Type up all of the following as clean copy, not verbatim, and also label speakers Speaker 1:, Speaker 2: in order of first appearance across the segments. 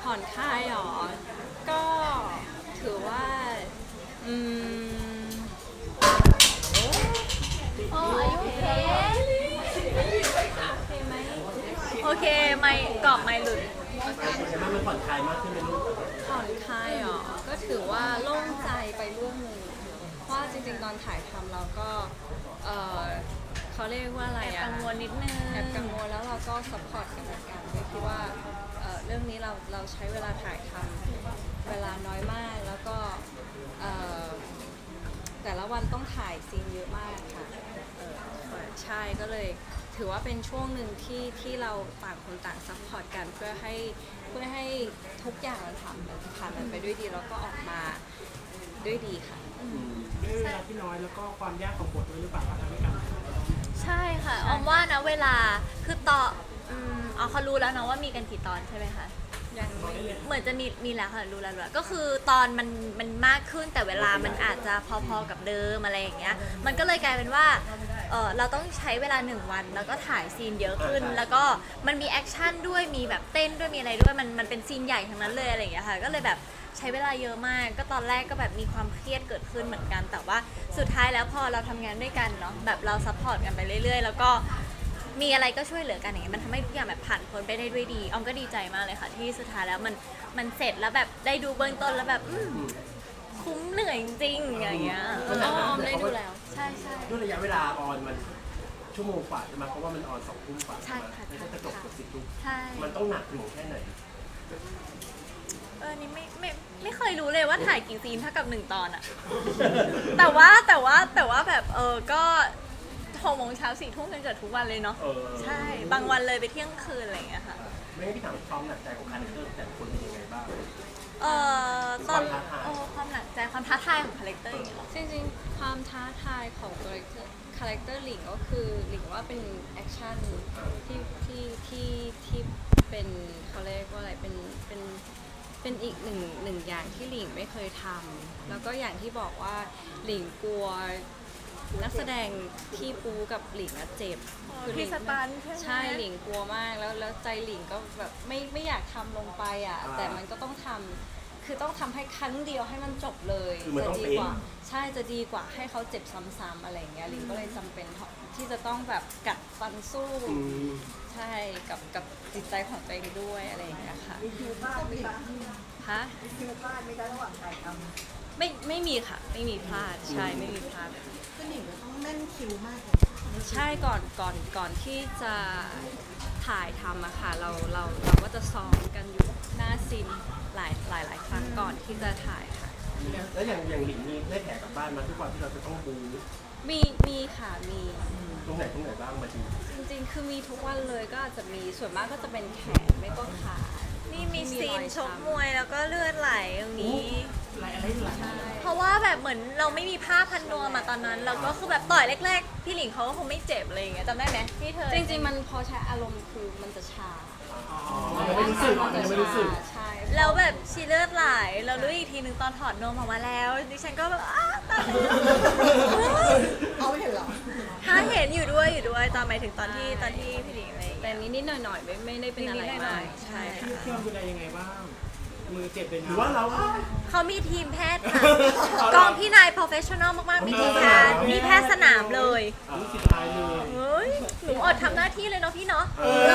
Speaker 1: ผ่อนคลายหรอ ก็ถือว่าอืม
Speaker 2: โอ้อายุเค
Speaker 1: โอเคไหม
Speaker 2: โอเคไม่กรอบไม่หลุด
Speaker 3: ใช่ไหมมันผ่อนคลายมากขึ้นเลยลูก
Speaker 1: ผ่อนคลายหรอ ก็ถือว่าโล่งใจไปเรื่องหนึ่งเพราะว่าจริงๆตอนถ่ายทำเราก็เออเขาเรียกว่าอะไร
Speaker 2: แอบ
Speaker 1: อะ
Speaker 2: กังวลนิดนึง
Speaker 1: แอบกังวลแล้วเราก็ซัพพอร์ตกันและกันด้วยคิดว่าเรื่องนี้เราใช้เวลาถ่ายทำเวลาน้อยมากแล้วก็เอ่อแต่ละวันต้องถ่ายซีนเยอะมากค่ะใช่ก็เลยถือว่าเป็นช่วงหนึ่งที่เราต่างคนต่างซัพพอร์ตกันเพื่อให้ทุกอย่างมันผ่านมันไปด้วยดีแล้วก็ออกมาด้วยดีค่ะ
Speaker 4: ด้วยเวลาที่น้อยแล้วก็ความยากของบทด้วยหรือเปล่าทำให้การ
Speaker 2: ใช่ค่ะออมว่านะเวลาคือต่อเขารู้แล้วเนาะว่ามีกันกี่ตอนใช่ไหมคะ
Speaker 1: ยังไม่
Speaker 2: เหมือนจะมีแล้วค่ะรู้แล้วก็คือตอนมันมากขึ้นแต่เวลามันอาจจะพอๆกับเดิมอะไรอย่างเงี้ยมันก็เลยกลายเป็นว่าเราต้องใช้เวลา1 วันแล้วก็ถ่ายซีนเยอะขึ้น แล้วก็มันมีแอคชั่นด้วยมีแบบเต้นด้วยมีอะไรด้วยมันเป็นซีนใหญ่ทั้งนั้นเลยอะไรอย่างเงี้ยค่ะก็เลยแบบใช้เวลาเยอะมากก็ตอนแรกก็แบบมีความเครียดเกิดขึ้นเหมือนกัน แต่ว่าสุดท้ายแล้วพอเราทำงานด้วยกันเนาะแบบเราซัพพอร์ตกันไปเรื่อยๆแล้วก็มีอะไรก็ช่วยเหลือกันอย่างเงี้ยมันทำให้ทุกอย่างแบบผ่านพ้นไปได้ด้วยดีออมก็ดีใจมากเลยค่ะที่สุดท้ายแล้วมันเสร็จแล้วแบบได้ดูเบื้องต้นแล้วแบบคุ้มเหนื่อยจริงๆอย่างเงี้ย
Speaker 1: อ๋อได้ดูแล้ว
Speaker 2: ใช่
Speaker 3: ด้วยระยะเวลาออนมันชั่วโมงกว่าใช่ไหมเพราะว่ามันออน2 ทุ่มกว่า
Speaker 2: ใช่ค่ะ
Speaker 3: ไม่ใช่จะจบกับ10 ทุ่ม
Speaker 2: ใช่
Speaker 3: มันต้องหนักหน่วงแค่ไหน
Speaker 2: นี่ไม่เคยรู้เลยว่าถ่ายกี่ซีนเท่ากับ1 ตอนอะ แต่ว่าแบบก็6 โมงเช้า4 ทุ่มกันเกิดทุกวันเลยเนาะใช่บางวันเลยไปเที่ยงคืนอะไรอย่างเงี้ยค่ะ
Speaker 3: ไม่ให้พี่ถามความหนักใจของคาแรคเตอร์แต่ละคนเป็นยังไงบ้าง
Speaker 2: ตอน
Speaker 3: ความท้าทาย
Speaker 2: ความหนักใจความท้าทายของคาแรคเตอร์อย่างเงี้ยเหรอ
Speaker 1: จริงๆความท้าทายของคาแรคเตอร์หลิงก็คือหลิงว่าเป็นแอคชั่นที่เป็นเขาเรียกว่าอะไรเป็นอีกหนึ่งอย่างที่หลิงไม่เคยทำแล้วก็อย่างที่บอกว่าหลิงกลัวนักแสดงที่ปูกับหลิงอะเจ็บคือหลิ
Speaker 2: พี่
Speaker 1: ง
Speaker 2: สตันใช่ไหม
Speaker 1: ใช่หลิงกลัวมากแล้วใจหลิงก็แบบไม่อยากทำลงไปอ่ะแต่มันก็ต้องทำคือต้องทำให้ครั้งเดียวให้มันจบเลย
Speaker 3: คือมัน
Speaker 1: จะ
Speaker 3: ต้อง
Speaker 1: ดี
Speaker 3: เป็น
Speaker 1: กว่าใช่จะดีกว่าให้เขาเจ็บซ้ำๆอะไรอย่างเงี้ยหลิงก็เลยจำเป็นที่จะต้องแบบกัดฟันสู้ ใช่กับจิตใจของตัวเองด้วยอะไรอย่างเงี้ยค่ะ
Speaker 5: มีคิวบ้านไหมคะ
Speaker 1: ฮะ
Speaker 5: มีคิวบ้านไหมคะระหว่างถ่ายท
Speaker 1: ไม่มีค่ะไม่มีพลาดใช่ไม่มีพลาด
Speaker 5: ำก็หนิงก็ต้องแม่นคิวมากเลย
Speaker 1: ใช่ก่อนที่จะถ่ายทำอะค่ะเราก็จะซ้อมกันอยู่หน้าซีนหลายครั้งก่อนที่จะถ่ายค่ะ
Speaker 3: แล้วอย่างหลิงมีได้แผลกลับบ้านมาทุกวันที่เราจะต้องบู
Speaker 1: มีค่ะมี
Speaker 3: ตรงไหนบ้างมาที
Speaker 1: จริงๆคือมีทุกวันเลยก็อาจจะมีส่วนมากก็จะเป็นแขนไม่ก็ขา
Speaker 2: นี่มี
Speaker 1: ที่
Speaker 2: ซีน
Speaker 1: รอย
Speaker 2: ชก
Speaker 1: ช้ำ
Speaker 2: มวยแล้วก็เลือดไหลตรงนี้
Speaker 4: อะไรหลัง
Speaker 1: ใช่
Speaker 2: เพราะว่าแบบเหมือนเราไม่มีผ้าพันนวมมาตอนนั้นเราก็คือแบบต่อยแรกๆพี่หลิงเขาก็คงไม่เจ็บอะไรอย่างเงี้ยจำได้ไหมที่เธอ
Speaker 1: จริงๆมันพอใช้อารมณ์คือมันจะชา
Speaker 3: มันยังไม่รู้สึกมันยังไม่รู้สึก
Speaker 1: ใช่
Speaker 2: แล้วแบบชีเลือดไหลเรารู้อีกทีหนึ่งตอนถอดนมออกมาแล้วดิฉันก็แบบตาย
Speaker 5: เอาไม่เห็นเหรอ
Speaker 2: ถ้าเห็นอยู่ด้วยตอนหมายถึงตอนที่พี่หลิงอะไรอย่าง
Speaker 1: แต่
Speaker 2: เงี้ย
Speaker 1: นิดๆหน่อยๆไม่ได้เป็นอะไร
Speaker 2: นิดๆหน่
Speaker 1: มา
Speaker 2: อก ยๆ
Speaker 1: ใช่
Speaker 4: ที่
Speaker 1: ค่ะ
Speaker 4: เที่ยวดูแลยังไงบ้าง มือเจ็บเลย
Speaker 3: ห
Speaker 4: นะ
Speaker 3: รือว่าเรา
Speaker 2: เขามีทีมแพทย์ค่ะกองพี่นาย professional มากๆมีทีมแพทย์มีแพทย์สนามเลย
Speaker 4: รู้สึกตายเลย
Speaker 2: เฮ้ยหนูอดทำหน้าที่เลยเนาะพี่เนาะ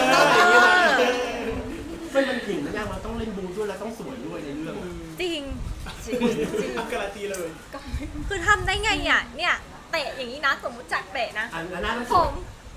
Speaker 3: ไม่มันหลิงมันยากมันต้องเล่นบูด้วยแล้วต้องสวยด้วยในเรื่อง
Speaker 2: จริง
Speaker 4: การันตีเลย
Speaker 2: คือทำได้ไงอ่ะเนี่ยเตะอย่างนี้นะสมมุติจักเตะนะ
Speaker 3: อันนั้นต้อง
Speaker 2: ผ
Speaker 3: สวย
Speaker 2: ม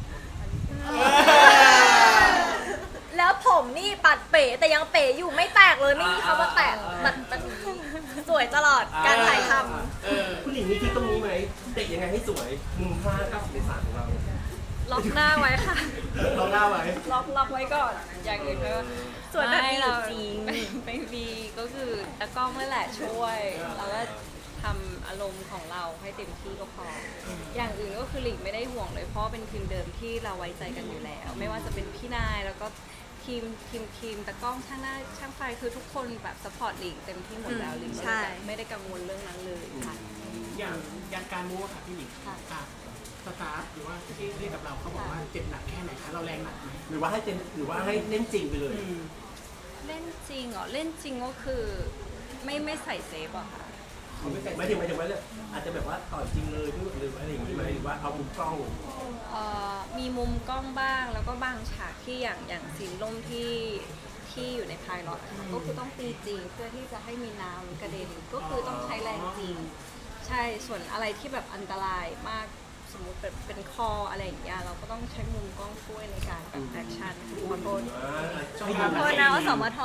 Speaker 2: แล้วผมนี่ปัดเป๋แต่ยังเป๋อยู่ไม่แตกเลยไม่มีคำว่าแตกมันสวยตลอดการถ่ายท
Speaker 3: คุณหลิงมีคิดตรงนี้ไหมเตะยังไงให้สวยมุมผ้า90 องศาของเรา
Speaker 1: ล็อกหน้าไว้ค่ะ
Speaker 3: เราเล่าไว้
Speaker 1: ล็อกไว้ก่อน อย่างอื่นก็
Speaker 2: ำสวยแบบนี้อยู่จริง
Speaker 1: ไม่มีก็คือตะกล้องนั่นแหละช่วย แล้วก็ทำอารมณ์ของเราให้เต็มที่ก็พอ อย่างอื่นก็คือหลิงไม่ได้ห่วงเลยเพราะว่าเป็นทีมเดิมที่เราไว้ใจกันอยู่แล้ว ไม่ว่าจะเป็นพี่นายแล้วก็ทีมตะกล้องช่างหน้าช่างไฟคือทุกคนแบบสปอร์ตหลิงเต็มที่หมดแล้วหลิง
Speaker 2: ใช่
Speaker 1: ไม่ได้กังวลเรื่องนั้นเลยค่ะ
Speaker 4: อย่างการมูค่ะพี่หนิง
Speaker 1: ค่ะ
Speaker 4: สตาฟหรือว่าที่เรียกกับเราเขาบอกว่าเจ็บหนักแค่ไหนคะเราแรงหนักไหม
Speaker 3: หรือว่าให้เล่นจริงไปเลย
Speaker 1: เล่นจริงเหรอเล่นจริงก็คือไม่ใส่เซฟอะค่ะ
Speaker 3: หมายถึงว่าเนี่ยอาจจะแบบว่าต่อยจริงเลยหรืออะไรอย่างนี้ไหมหรือว่าเอามุมกล้อง
Speaker 1: มีมุมกล้องบ้างแล้วก็บางฉากที่อย่างซีนล่มที่อยู่ในพายล็อตก็คือต้องตีจริงเพื่อที่จะให้มีน้ำกระเด็นก็คือต้องใช้แรงจริง ใช่ส่วนอะไรที่แบบอันตรายมากสมมติแบบเป็นคออะไรอย่างเงี้ยเราก็ต้องใช้มุมกล้องช่วยในการแบบแอคชั่นขอโทษ
Speaker 2: ขอโทษนะว่าสมท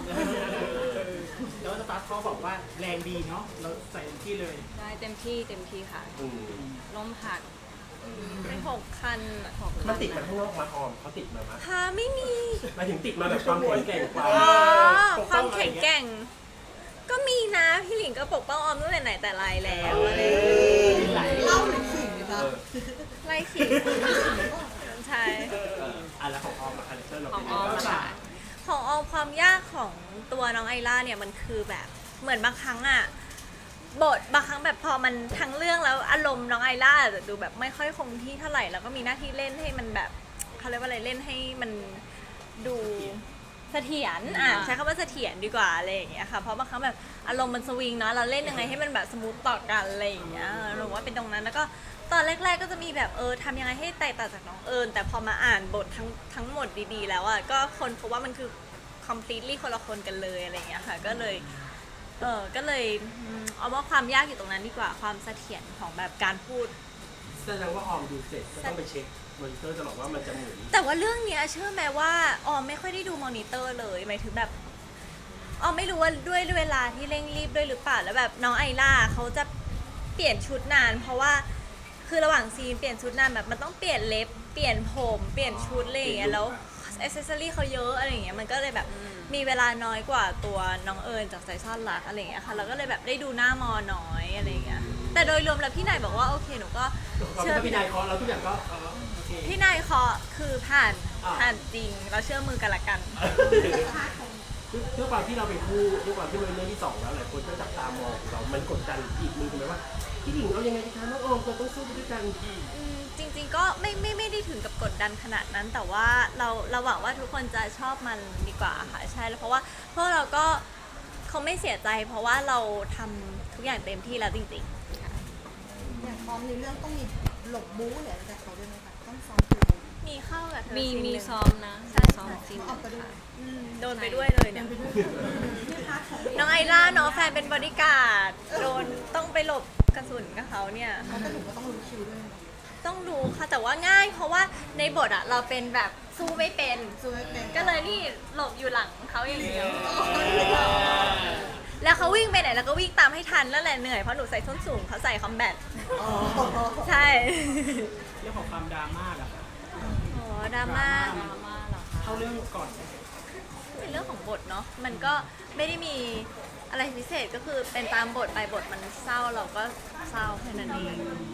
Speaker 4: แล้วสตาร์ทเขาบอกว่าแรงดีเนาะเราใส่เต็มที่เลย
Speaker 1: ได้เต็มที่ค่ะล้มหัก
Speaker 2: เป็น6 คัน
Speaker 3: มันติดมาข้างนอกมาออมเขาติดมาไหม
Speaker 2: ค่ะไม่มี
Speaker 3: หมายถึงติดมาแบบความแข็งแกร่งกว่า
Speaker 2: อ๋อความแข็งแกร่ง ก็มีนะพี่หลิงก็ปกป้องออมตั้งแต่ไหนแต่ไรแล้วอะไรอย่างเงี้ย
Speaker 5: เล่าหรือขิงนะ
Speaker 2: ไล่ขิงใช่
Speaker 3: แล้วของออมคาแรคเตอร์เรา
Speaker 1: ของ
Speaker 3: เป็น
Speaker 1: ออม
Speaker 3: ยังไง
Speaker 1: อะค่ะ
Speaker 2: ของออมความยากของตัวน้องไอล่าเนี่ยมันคือแบบเหมือนบางครั้งอะบทบางครั้งแบบพอมันทั้งเรื่องแล้วอารมณ์น้องไอล่าจะดูแบบไม่ค่อยคงที่เท่าไหร่แล้วก็มีหน้าที่เล่นให้มันแบบเขาเรียกว่าอะไรเล่นให้มันดูเสถียรใช้คำว่าเสถียรดีกว่าอะไรอย่างเงี้ยค่ะเพราะบางครั้งแบบอารมณ์มันสวิงเนาะเราเล่นยังไงให้มันแบบสมูทต่อกันอะไรอย่างเงี้ยหนูว่าเป็นตรงนั้นแล้วก็ตอนแรกๆก็จะมีแบบทำยังไงให้แตกต่างจากน้องเอิญแต่พอมาอ่านบททั้งหมดดีๆแล้วอ่ะก็คนพบว่ามันคือ completely คนละคนกันเลยอะไรอย่างเงี้ยค่ะก็เลยเอาว่าความยากอยู่ตรงนั้นดีกว่าความเสถียรของแบบการพูด
Speaker 3: แสดงว่าออมดูเสร็จก็ต้องไปเช็คมอนิเตอร์ตลอดว่ามันจะหมุน
Speaker 2: แต่ว่าเรื่องเนี้ยเชื่อไหมว่าออมไม่ค่อยได้ดูมอนิเตอร์เลยหมายถึงแบบออมไม่รู้ว่าด้วยเวลาที่เร่งรีบด้วยหรือเปล่าแล้วแบบน้องไอล่าเขาจะเปลี่ยนชุดนาน เพราะว่าคือระหว่างซีนเปลี่ยนชุดนานแบบมันต้องเปลี่ยนเล็บเปลี่ยนผมเปลี่ยนชุดอะไรอย่างเงี้ยแล้วอ c เซสซอรี่เขาเยอะอะไรอย่างเงี้ยมันก็เลยแบบมีเวลาน้อยกว่าตัวน้องเอิญจากใจซ่อนรักอะไรอย่างเงี้ยค่ะเราก็เลยแบบได้ดูหน้ามอน้อยอะไรอย่างเงี้ยแต่โดยรวมแล้วพี่นายบอกว่าโอเคหนูก็
Speaker 3: เชื่อพี่นายเคาะเราทุกอย่างก็โอเค
Speaker 2: พี่นายเคาะคือผ่าน
Speaker 3: อ่า
Speaker 2: ผ่านจริงเราเชื่อมือกันละกัน
Speaker 3: ด้วยความที่เราเป็นคู่ด้วยความที่มันเป็นเรื่องที่สองแล้วหลายคนก็จับตามองเรามันกดดันอีกมือถูกไหมว่าพี่หญิงเอายังไงดีคะน้องออมเราต้องสู้ไปด้วยกัน
Speaker 2: จริงๆก็ไม่ได้ถึงกับกดดันขนาดนั้น แต่ว่าเราหวังว่าทุกคนจะชอบมันดีกว่าค่ะใช่แล้วเพราะว่าพวกเราก็เขาไม่เสียใจ เพราะว่าเราทำทุกอย่างเต็มที่แล้วจริง
Speaker 5: อย่างพร้อมในเรื่องต้องมีหลบบู๊หรืออะไรจากเขาด้วยไหมคะต้องซ้อมตัว
Speaker 2: ๆ มีเข้ากับเธอ
Speaker 1: มี
Speaker 2: ซีนหนึ่ง
Speaker 1: ซ้อมนะ
Speaker 2: ใช่
Speaker 1: ซ้อมจริง
Speaker 5: เอาไปด้วย
Speaker 1: ค่ะ
Speaker 2: โดนไปด้วยเลยเนี่ย
Speaker 5: ไม่พลาดของ
Speaker 2: น้องไอล่าเนาะแฟนเป็นบอดี้การ์ดโดนต้องไปหลบกระสุนกับเขาเนี่ย
Speaker 5: เขาก็ถึงก็ต้องรู้คิวด้วย
Speaker 2: ต้องดูค่ะแต่ว่าง่าย เพราะว่าในบทอะเราเป็นแบบสู้ไม่เป็น
Speaker 5: สู้ไม่เป็น
Speaker 2: ก็เลยนี่หลบอยู่หลังเขาอย่างเดียว แล้วเขาวิ่งไปไหนแล้วก็วิ่งตามให้ทันแล้วแหละเหนื่อยเพราะหนูใส่ส้นสูงเขาใส่คอมแบท
Speaker 5: อ๋อ
Speaker 2: ใช่
Speaker 4: เรื่องของความดราม่าล่ะคะ
Speaker 2: โอ้ดราม่า
Speaker 1: ดราม่าเหรอคะ
Speaker 4: เข้าเรื่องก่อน
Speaker 2: เป็นเรื่องของบทเนาะมันก็ไม่ได้มีอะไรพิเศษก็คือเป็นตามบทไปบทมันเศร้าเราก็เศร้าแค่นั้นเอง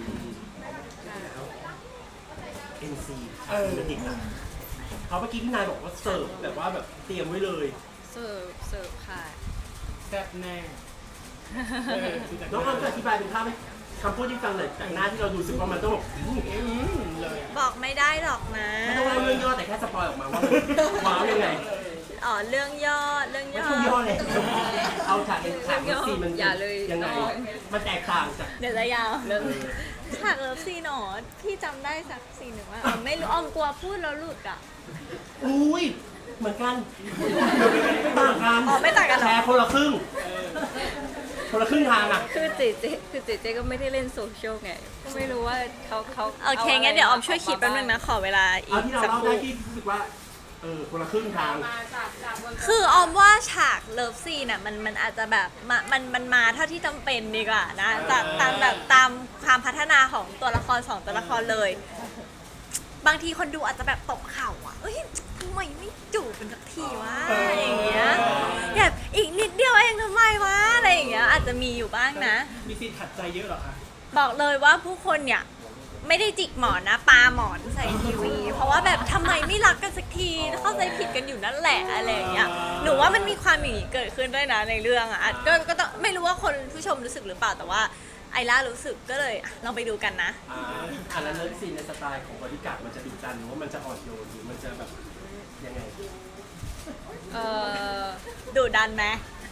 Speaker 3: NC มันติดนะเขาเมื่อกี้พี่นายบอกว่าเสิร์ฟแบบว่าแบบเตรียมไว้เลย
Speaker 1: เสิร์ฟค่ะ
Speaker 4: แซ่บแน่ดูจาก
Speaker 3: น้องออมจะอธิบายเป็นภาพไหมคำพูดที่ฟังหน่อยจากหน้าที่เราดูสึกว่ามันต้องแบบ
Speaker 4: เลย
Speaker 2: บอกไม่ได้หรอกนะ
Speaker 3: ไม่ต้องเล่าเรื่องย่อแต่แค่สปอยออกมาว่ามันว้าวยังไง
Speaker 2: อ๋อเรื่องย่อ
Speaker 3: ไม่ต้องย่อเลยเอาฉากเอ็นฉากเอ็นซีมัน
Speaker 1: อย่าเลย
Speaker 3: ยังไงมันแตกต่างจาก
Speaker 2: เดี๋ยวจะยาวฉากเลิฟซีนหนอพี่จำได้สักซีนหนึ่งว่าไม่รู้ออมกลัวพูดแล้วหลุดอ่ะ
Speaker 3: อุ้ยเหมือนกันไม่ต่างกัน
Speaker 2: อ๋อไม่ต่างกันเหรอ
Speaker 3: แชร์คนละครึ่งคนละครึ่งทางอ่ะ
Speaker 1: คือเจเจก็ไม่ได้เล่นโซเชียลไงก็ไม่รู้ว่าเขา
Speaker 2: โอเคงั้นเดี๋ยวออมช่วยคิดแป๊บนึงนะขอเวลาอี
Speaker 3: เอา
Speaker 2: ก
Speaker 3: ที่เรา
Speaker 2: สัก
Speaker 3: เล่า
Speaker 2: ค
Speaker 3: ได้
Speaker 2: รู่
Speaker 3: ที่รู้สึกว่าคนละครึ่งทาง
Speaker 2: คือออมว่าฉากเลิฟซีนอ่ะมันอาจจะแบบมันมาเท่าที่จำเป็นดีกว่านะตามแบบตามความพัฒนาของตัวละครสองตัวละครเลย บางทีคนดูอาจจะแบบตบเข่าอ่ะเอ้ยทำไมไม่จูบเป็นสักทีวะอะไรอย่างเงี้ยแบบอีกนิดเดียวเองทำไมวะอะไรอย่างเงี้ยอาจจะมีอยู่บ้างนะ
Speaker 4: มีซีนขัดใจเยอะเหรอคะ
Speaker 2: บอกเลยว่าผู้คนเนี่ยไม่ได้จิกหมอนนะปาหมอนใส่ทีวี เพราะว่าแบบทำไมไม่รักกันสักทีเข้าใจผิดกันอยู่นั่นแหละอะไรอย่างเงี้ยหนูว่ามันมีความอย่างนี้เกิดขึ้นด้วยนะในเรื่องอ่ะก็ต้องไม่รู้ว่าคนผู้ชมรู้สึกหรือเปล่าแต่ว่าไอล่ารู้สึกก็เลยลองไปดูกันนะ
Speaker 3: แล้วเลิฟซีนในสไตล์ของบริการดมันจะดุดันหรือว่ามันจะอ่อนโยนหรือมันจะแบบยังไง
Speaker 1: เออ
Speaker 2: ดุดันไหม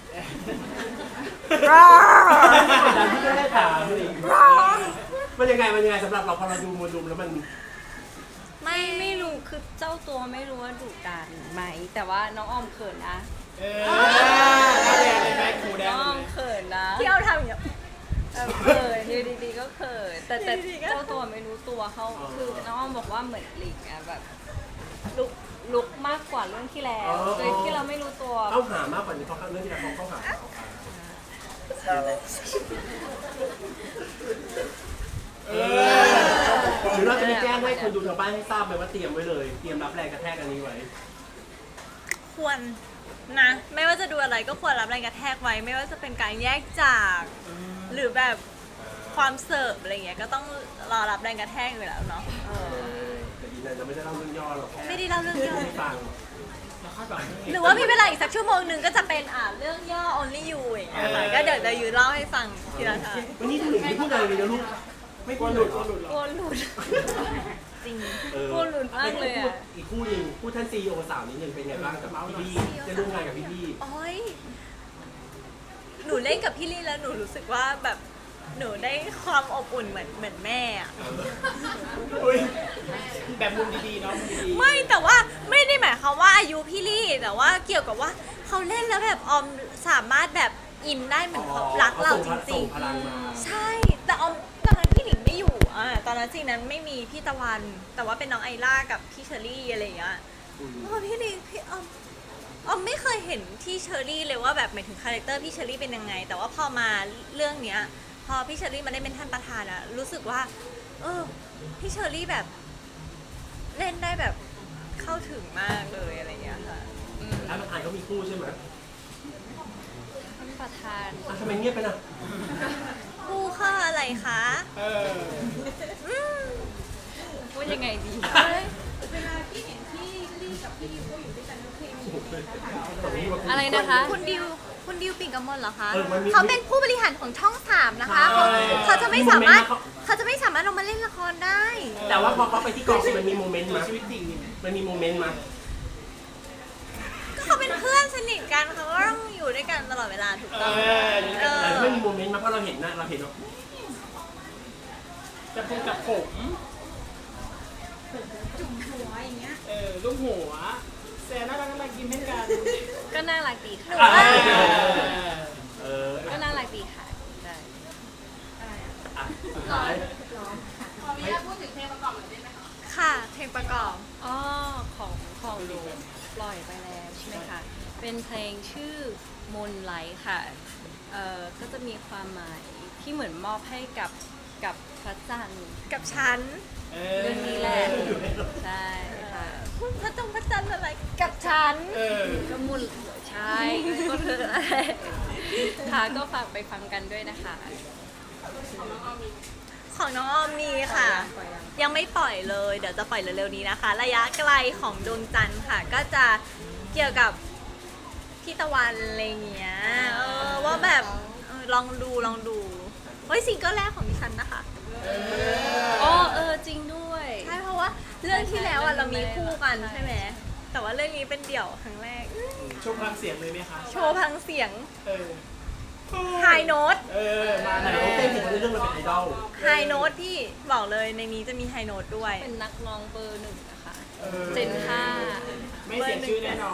Speaker 3: ดันที่ไม่ได้ถามเลยมันยังไงสำหรับเราพอเราดูมวลรวมแล้วมัน
Speaker 1: ไม่รู้คือเจ้าตัวไม่รู้ว่าดุดันไหม แต่ว่าน้องออมเขินนะ
Speaker 4: แดงเลยไหมครูแด
Speaker 1: น้
Speaker 4: ง
Speaker 1: องอ
Speaker 4: เล
Speaker 1: อย ม
Speaker 4: ไหม
Speaker 1: เขินนะ
Speaker 2: ที่เอาทำอย่างเงี้ย
Speaker 1: เขินอยู่ดีๆก็เขินแต่
Speaker 2: อยู่ดีๆก็
Speaker 1: เจ้าตัวไม่รู้ตัวเขาคือน้องออมบอกว่าเหมือนหลิงอะแบบลุกมากกว่าเรื่องที่แล้วโดยที่เราไม่รู้ตัว
Speaker 3: เข้าหามากกว่านี้เพราะเรื่องที่เราเข้าหาหรือเราจะมีแจ้งให้คนดูทางบ้านให้ทราบไหมว่าเตรียมไว้เลยเตรียมรับแรงกระแทกอันนี้ไว้
Speaker 2: ควรนะ ไม่ว่าจะดูอะไรก็ควรรับแรงกระแทกไว้ ไม่ว่าจะเป็นการแยกจาก หรือแบบความเสิร์ฟอะไรเงี้ยก็ต้องรอรับแรงกระแทกอยู่แล้วเนาะ
Speaker 3: แต่ดีนะจะไม่ได้เล่าเรื่องย่อหรอกแค่
Speaker 2: ไม่ได้เล่าเรื่องย่อ
Speaker 3: ให้ฟัง
Speaker 4: แล้วคาดหวัง
Speaker 2: หรือว่ามีเวลาอีกสักชั่วโมงหนึ่งก็จะเป็นเรื่องย่อ only you อย่างเงี้ยค่ะก็เดี๋ยวจะยืนเล่าให้ฟังทีละทาง
Speaker 3: วันนี้ถึงไม่พูดอะไรเลยนะลูกไม่
Speaker 4: กลั
Speaker 3: พู
Speaker 4: ว
Speaker 3: ด
Speaker 4: ห
Speaker 3: ห
Speaker 4: ลุ
Speaker 3: ลุ
Speaker 4: ด
Speaker 3: ด
Speaker 4: กลัวหลุดเหร
Speaker 1: กลั
Speaker 4: อ
Speaker 1: วหลุด
Speaker 2: จริง
Speaker 1: กลัวหลุดมากเลยอะ
Speaker 3: อีกคู่หนึ่งคู่ท่านซีโอสาวนิดนึงเป็นไงบ้างกับพี่บี้จะร่วมงานกับพี่บี้
Speaker 2: โอ้ยหนูเล่นกับพี่ลี่แล้วหนูรู้สึกว่าแบบหนูได้ความอบอุ่นเหมือนแม่อะ
Speaker 4: อุ้ยแบบมุมดีๆเนาะมุมดีๆ
Speaker 2: ไม่แต่ว่าไม่ได้หมายความว่าอายุพี่ลี่แต่ว่าเกี่ยวกับว่าเขาเล่นแล้วแบบออมสามารถแบบอินได้เหมือนเขารักเราจริง
Speaker 3: ส่งพลังมา
Speaker 2: ๆ ใช่ แต่ออมตอนนั้นพี่หลิงไม่อยู่ตอนนั้นจริงนั้นไม่มีพี่ตะวัน แต่ว่าเป็นน้องไอล่ากับพี่เชอรี่อะไรอย่างเงี้ยโอ้พี่หลิงพี่ออมไม่เคยเห็นที่เชอรี่เลยว่าแบบหมายถึงคาแรคเตอร์พี่เชอรี่เป็นยังไง แต่ว่าพอมาเรื่องเนี้ยพอพี่เชอรี่มาได้เป็นท่านประธานอะรู้สึกว่าพี่เชอรี่แบบเล่นได้แบบเข้าถึงมากเลยอะไรอย่างเงี้ยค่ะ
Speaker 3: แล้วประธานเขามีคู่ใช่ไหม
Speaker 1: ท่านประธาน
Speaker 3: ทำไมเงียบไปน่ะ
Speaker 2: คู่ค่าอะไรคะ
Speaker 4: เออ
Speaker 1: พูดยังไงดี อะไรนะคะ
Speaker 2: คุณดิวปิ่นกมลเหรอคะ
Speaker 3: มันมี
Speaker 2: เขาเป็นผู้บริหารของช่อง3นะคะเขาจะไม่สามารถลงมาเล่นละครได้
Speaker 3: แต่ว่าพอเขาไปที่กองมันมีโมเมนต์มา
Speaker 4: ชีวิตจริงนี่
Speaker 3: มันมีโมเมนต์มา
Speaker 2: ก็เขาเป็นเพื่อนสนิทกันเขาก็ต้องอยู่ด้วยกันตลอดเวลาถูก
Speaker 4: เอ
Speaker 2: ต้อง
Speaker 4: อ
Speaker 3: แต่ไม่มีโมเมนต์มาเพราะเราเห็นนะเราเห็นว่า
Speaker 4: จะพูดกับผม
Speaker 5: จุ่มหัวอย่างเงี้ย
Speaker 4: ลูกหัวแซนน่ารักยิ้มให้กัน
Speaker 1: ก็น่ารักดีค่ะ ก็น่ารักดีค่ะใช่
Speaker 3: สุดท้าย
Speaker 2: ค่ะเพลงประกอบ
Speaker 1: อ๋อของหนูปล่อยไปแล้วใช่ไหมคะ เป็นเพลงชื่อมนไลท์ค่ะก็จะมีความหมายที่เหมือนมอบให้กับพระจันทร์
Speaker 2: กับฉัน
Speaker 1: เรื่องนี้แหละใช่ค่ะ
Speaker 2: พระจันทร์อะไรกับฉัน
Speaker 1: ก็มุนใช่ก็เธอค่ะก็ฝากไปฟังกันด้วยนะคะ
Speaker 2: ของน้องออมมีค่ะ
Speaker 1: ปล่อยยัง
Speaker 2: ยังไม่ปล่อยเลย เดี๋ยวจะปล่อยเร็วๆนี้นะคะ ระยะไกลของดวงจันทร์ค่ะ ก็จะเกี่ยวกับพี่ตะวันอะไรเงี้ยว่าแบบลองดูเฮ้ยซิงเกิลแรกของดิฉันนะคะ
Speaker 1: อ๋อจริงด้วย
Speaker 2: ใช่เพราะว่าเรื่องที่แล้วเรามีคู่กันใช่ไหมแต่ว่าเรื่องนี้เป็นเดี่ยวครั้งแรก
Speaker 4: โชว์พลังเสียงเลยไหมคะ
Speaker 2: โชว์พังเสียง
Speaker 4: เออ
Speaker 2: ไฮโน้ต
Speaker 4: มา
Speaker 3: แต่
Speaker 4: แล้
Speaker 3: เรา
Speaker 4: ว
Speaker 3: เต้นถึงในเรื่องเราเป็นไอดอล
Speaker 2: ไฮโน้ตพี่บอกเลยในนี้จะมีไฮโน้ตด้วย
Speaker 1: เป็นนักร้องเบอร์ 1นะคะ
Speaker 4: เออ
Speaker 1: เจนห้า
Speaker 4: ไม่เสียชื่อแน่นอน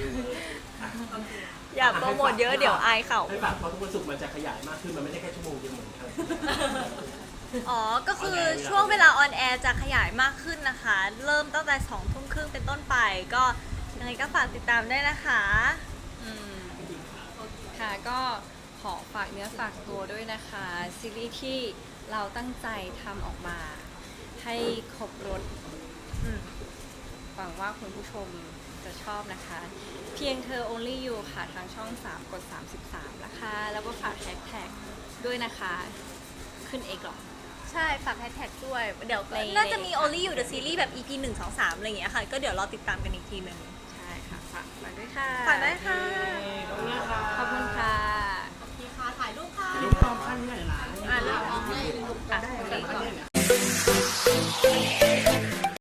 Speaker 2: อย่าโปรโมทเยอะเดี๋ยวอายเขา
Speaker 3: ให้ฝากเพราะทุกวันศุกร์มันจะขยายมากขึ้นมันไม่ได้แค่ชั่วโมงเดียวเหมือนกัน
Speaker 2: อ๋อ ก็คือช่วงเวลาออนแอร์จะขยายมากขึ้นนะคะ เริ่มตั้งแต่2 ทุ่มครึ่งเป็นต้นไป ก็ยังไงก็ฝากติดตามด้วยนะคะ
Speaker 1: อืมค่ะก็ขอฝากเนื้อฝากตัวด้วยนะคะ ซีรีส์ที่เราตั้งใจทำออกมา ให้ครบรถ
Speaker 2: อืม
Speaker 1: หวังว่าคุณผู้ชมจะชอบนะคะ เพียงเธอ only you ค่ะ ทางช่อง 3 กด 33 นะคะ แล้วก็ฝากแฮชแท็กด้วยนะคะ ขึ้นเอกหรอ
Speaker 2: ใช่ ฝากแฮชแท็กด้วย เดี๋ยว
Speaker 1: ใน
Speaker 2: น่าจะมี Only You The Series แบบ EP 1 2 3 อะไรอย่างเงี้ยค่ะ ก็เดี๋ยวรอติดตามกันอีกทีหนึ่ง
Speaker 1: ใช่ค่ะ ฝากมาด้วยค่ะ
Speaker 2: ฝากได้ค่ะ
Speaker 4: ตรงนี้ค่ะ
Speaker 1: ขอบคุณค่ะ
Speaker 5: ถ่ายรูปค่ะ
Speaker 4: รูปพร้อมขั้นที่ไหนล่ะ
Speaker 2: อ่านแล้ว
Speaker 1: อ่ะ